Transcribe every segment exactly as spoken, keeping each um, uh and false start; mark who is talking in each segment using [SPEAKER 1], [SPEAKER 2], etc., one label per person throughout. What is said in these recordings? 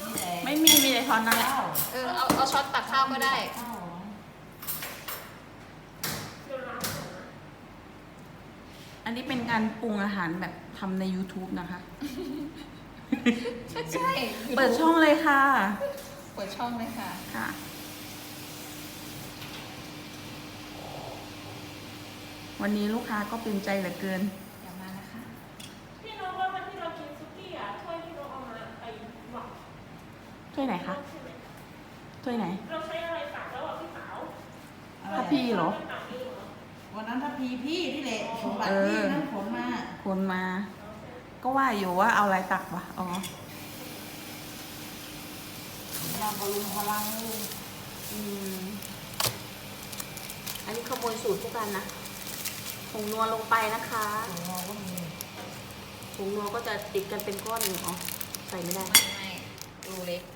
[SPEAKER 1] ไม่มีมีแต่ช้อนนั่นแหละ
[SPEAKER 2] เออเอาเอาช้อนตักข้าวก็ได้
[SPEAKER 1] อันนี้เป็นการปรุงอาหารแบบทำใน YouTube นะคะ
[SPEAKER 2] ใช่
[SPEAKER 1] เปิดช่องเลยค่ะ
[SPEAKER 2] เปิดช่องเลยค่ะ
[SPEAKER 1] ค่ะ วันนี้ลูกค้าก็เป็นใจเหลือเกิน
[SPEAKER 2] อย่ามานะคะ
[SPEAKER 3] พี่น้องว่าวันที่เรากินซุกี้อ่ะถ้วยที่น้องเอามาไปหวัง
[SPEAKER 1] ถ้วยไหนคะ
[SPEAKER 3] ใช่ไหม
[SPEAKER 1] ถ้วยไหน
[SPEAKER 3] เราใช้อะไรฝากแล้วอ่ะพี่สาว
[SPEAKER 1] ถ้าพี่เหรอ
[SPEAKER 3] ฝากเองเหรอ
[SPEAKER 4] วันนั้นถ้าพีพี่ที่เละสมบัติพี่นั่นผลมา
[SPEAKER 1] คนมา ก็ว่าอยู่ว่าเอาอะไรตักวะอ๋อ
[SPEAKER 4] มาบำรุงพลังลูก
[SPEAKER 1] อืม อันนี้ขโมยสูตรพวกกันนะผงนัวลงไปนะคะ
[SPEAKER 4] ของเราก็มี
[SPEAKER 1] ผงนัวก็จะติดกันเป็นก้อนอยู่อ๋อ ใส่ไม่ได้
[SPEAKER 2] ไม่ไม่รูเล็ก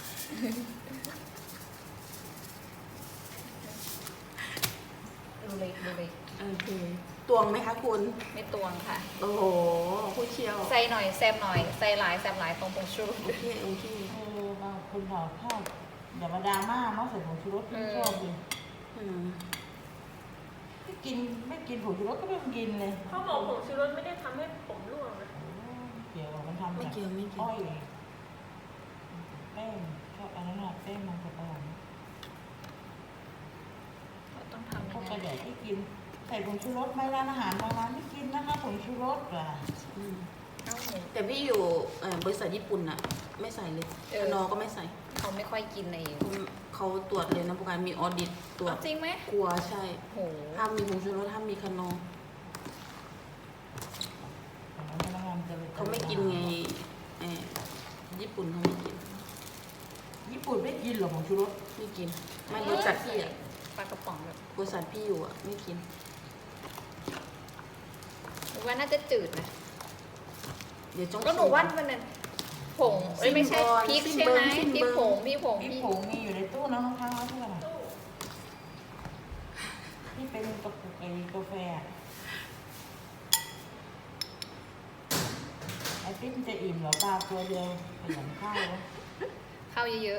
[SPEAKER 2] รูเล็กรูเล็ก
[SPEAKER 1] โอเค ตวงไหมคะคุณ
[SPEAKER 2] ไม่ตวงค่ะ
[SPEAKER 1] โอ้โหผู้เชี่ยว
[SPEAKER 2] ใส่หน่อยแซมหน่อยใส่หลายแซมหลายตรงตรงชู
[SPEAKER 1] โอเค โอเค
[SPEAKER 4] เออบางคนเขาชอบอย่ามาดราม่าเนาะใส่ผงชูรสพี่ชอบดิ
[SPEAKER 1] อืม
[SPEAKER 4] ไม่กินไม่กินผงชูรสก็ไม่ต้องกินเลย
[SPEAKER 3] เขาบอกผงชูรสไม่ได้ทำให้ผมร่วงนะ
[SPEAKER 4] โอ้เกี่ยวกับมันทำ
[SPEAKER 1] ไม่
[SPEAKER 4] จาก
[SPEAKER 1] เกี่ยวไม่เกี่ยว
[SPEAKER 4] อ้อยแป้งชอบอันนั้นอะแป้งมันจะประหลาด
[SPEAKER 2] ต้องทำ
[SPEAKER 4] พ
[SPEAKER 2] ยั
[SPEAKER 4] วก
[SPEAKER 2] ง
[SPEAKER 4] กระ
[SPEAKER 2] ไง
[SPEAKER 4] เดดที่กินใส่ผงชูรสไหมร้านอาหารบางร้านไม่กินนะคะผงชูรสอ่ะ
[SPEAKER 1] อืม
[SPEAKER 2] เอ้า
[SPEAKER 1] แต่พี่อยู่เอ่อบริษัทญี่ปุ่นอะไม่ใส่เลย
[SPEAKER 2] เออ
[SPEAKER 1] นอก็ไม่ใส่
[SPEAKER 2] เขาไม่ค่อยกินใน
[SPEAKER 1] เขาเขาตรวจเลยนะพวกการมีออดิตตรวจ
[SPEAKER 2] เอาจริงไหม
[SPEAKER 1] กลัวใช่
[SPEAKER 2] โห
[SPEAKER 1] ห้ามมีผงชูรสห้ามมีคานอร์
[SPEAKER 4] พนักงานจะ
[SPEAKER 1] เขาไม่กินไงเอ่อญี่ปุ่นเขาไม่กิน
[SPEAKER 4] ญี่ปุ่นไม่กินหรอกผงชูรส
[SPEAKER 1] ไม่กิน ไม่บริษัทพี่อะ
[SPEAKER 2] ปลากระป๋องแบบ
[SPEAKER 1] บริษัทพี่อยู่อะไม่กิน
[SPEAKER 2] หนูว่าน่าจะจืดนะ
[SPEAKER 1] เดี๋ยวจง
[SPEAKER 2] ก็หนูว่ามันนั้นผงเอ้ยไม่ใช่พริกใช่ไหมพริกผงพริกผง
[SPEAKER 4] พี่
[SPEAKER 2] พริก
[SPEAKER 4] ผงมีอยู่ในตู้นะข้างๆแล้วที่อะไรที่เป็นกระปุกไอ้กาแฟอะไอ้ติ๊มจะอิ่มเหรอปลาตัวเดียวขยันข้าววะ
[SPEAKER 2] ข้าวเยอะ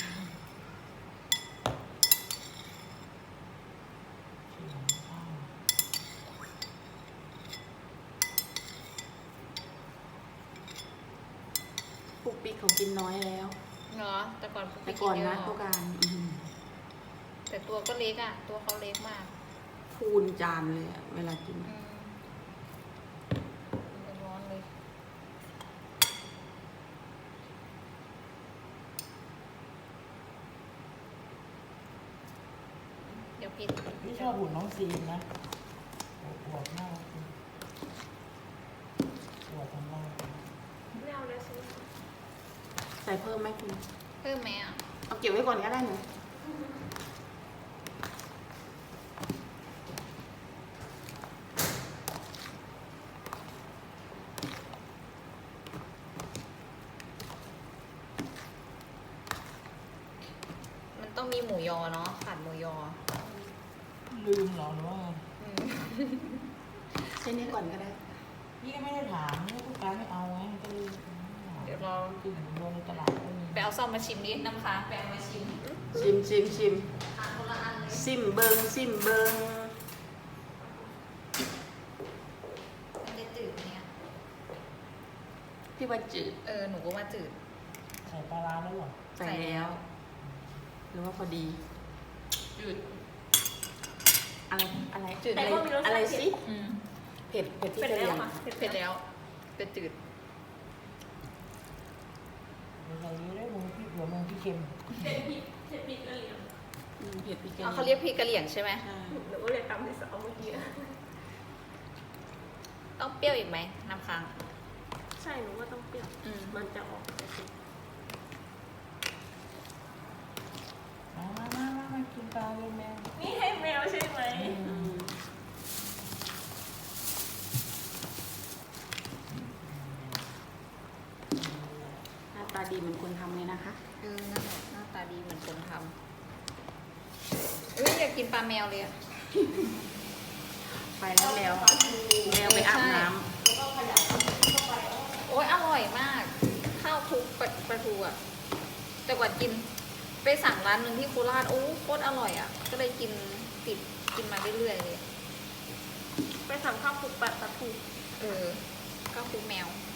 [SPEAKER 4] ขยันข้าว
[SPEAKER 1] ปุกปิกเขากินน้อยแล้ว
[SPEAKER 2] ๆเนาะแต่ก่อน
[SPEAKER 1] แต่ก่อนนะ
[SPEAKER 2] เย
[SPEAKER 1] พวกการอืม
[SPEAKER 2] แต่ตัวก็เล็กอ่ะ ตัวเขาเล็กมาก
[SPEAKER 1] พูนจานเลยอะเวลากิน
[SPEAKER 2] อืมมันร้อนเลยเดี๋ยวพิด
[SPEAKER 4] พี่ชอบหุ่นน้องซีนนะอวดมากอวดทำได้
[SPEAKER 3] ไม่เอาเลยใช่ไหม
[SPEAKER 1] ใส่เพิ่มไหมคุณ
[SPEAKER 2] เพิ่มไหมอ่ะ
[SPEAKER 1] เอาเก็บไว้ก่อนก็ได้หนู
[SPEAKER 2] มันต้องมีหมูยอเนาะขาดหมูยอ
[SPEAKER 4] ลืมเหรอหรือว่า
[SPEAKER 2] อืม
[SPEAKER 1] ใช้นี้ก่อนก็ได้
[SPEAKER 4] พี่ก็ไม่ได้ถามนี่ผู้การไม่เอาไงก็เลย
[SPEAKER 2] เดี๋ยวเรา
[SPEAKER 4] กินโดนในตลาดก็มี
[SPEAKER 2] ไปเอาซ่อมมาชิมดิน้ำค้างไปเอามาชิม
[SPEAKER 1] ชิมชิมชิม
[SPEAKER 2] ทานคนละอันเลย
[SPEAKER 1] ซิมเบิงซิมเบิง
[SPEAKER 2] มันจะจืดเนี่ย
[SPEAKER 1] พี่ว่าจืด
[SPEAKER 2] เออ หนูก็ว่าจืด
[SPEAKER 4] ใส่ปลาร้าแล้วเหรอ
[SPEAKER 1] ใส่แล้ว หรือว่าพอดี
[SPEAKER 2] จืด
[SPEAKER 1] อะไรอะไร
[SPEAKER 2] จืด
[SPEAKER 1] อะไรอะไรสิ
[SPEAKER 2] อืม
[SPEAKER 1] เผ็ดเผ็ดที่
[SPEAKER 3] เป็น
[SPEAKER 1] กะเห
[SPEAKER 3] แล้
[SPEAKER 1] รี่
[SPEAKER 3] วย
[SPEAKER 1] ง
[SPEAKER 3] ค่ะ
[SPEAKER 2] เผ็ดแล้วแต่จืด
[SPEAKER 4] ใส่เยอะได้มึงพี่หัวมึงพี่เค็ม
[SPEAKER 3] เผ็ดพริกเผ็ดพริกกะเหรี่ยง
[SPEAKER 1] อืมเผ็ดพริกกะห
[SPEAKER 2] อ๋อ
[SPEAKER 1] รี่ยง
[SPEAKER 2] เขาเรียกพริกกะเหรี่ยงใช่ไหม
[SPEAKER 1] ใช่
[SPEAKER 3] หนูก็เลยตำที่สองเมื่อกี้อะ
[SPEAKER 2] ต้องเปรี้ยวอีกไหมน้ำค้าง
[SPEAKER 3] ใช่หนูว่าต้องเปรี้ยว
[SPEAKER 2] อืม
[SPEAKER 3] มันจะออกแต่เผ็ด
[SPEAKER 4] มามามามามากินปลาเลยแมว
[SPEAKER 3] นี่ให้แมวใช่ไหม
[SPEAKER 1] อืมหน้าตาดีเหมือนคนทำเลยนะคะ
[SPEAKER 2] เออนั่นแหละหน้าตาดีเหมือนคนทำเอ้ยอยากกินปลาแมวเลยอะ
[SPEAKER 1] ไปแล้วแล้วแมวไปอาบน้ำ
[SPEAKER 2] โอ้ยอร่อยมาก ข้าวคลุกปลาปลาทูอ่ะแต่ก่อนกินไปสั่งร้านหนึ่งที่โคราชโอ้โคตรอร่อยอ่ะ ก็เลยกินติดกินมาเรื่อยๆเลย
[SPEAKER 3] ไปสั่งข้าวคลุกปลาปลาทู
[SPEAKER 2] เออข้าวคลุกแมว
[SPEAKER 3] อ